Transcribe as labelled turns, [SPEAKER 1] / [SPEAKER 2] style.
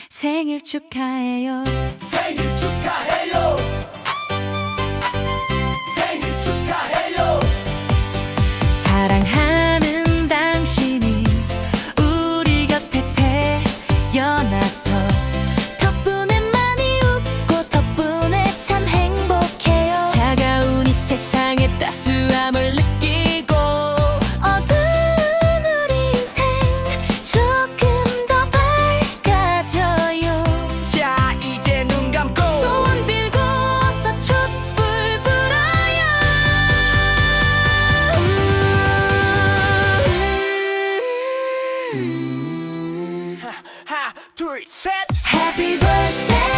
[SPEAKER 1] 생일 축하해요.
[SPEAKER 2] 생일 축하해요. 생일 축하해요.
[SPEAKER 1] 사랑하는 당신이 우리 곁에 태어나서 덕분에 많이 웃고 덕분에 참 행복해요. 차가운 이 세상의 따스함을 느끼고 어두운 우리 인생 조금 더 밝아져요.
[SPEAKER 2] 자 이제 눈 감고
[SPEAKER 1] 소원 빌고 어서 촛불 불어요.
[SPEAKER 2] 하나 둘 셋.
[SPEAKER 1] Happy birthday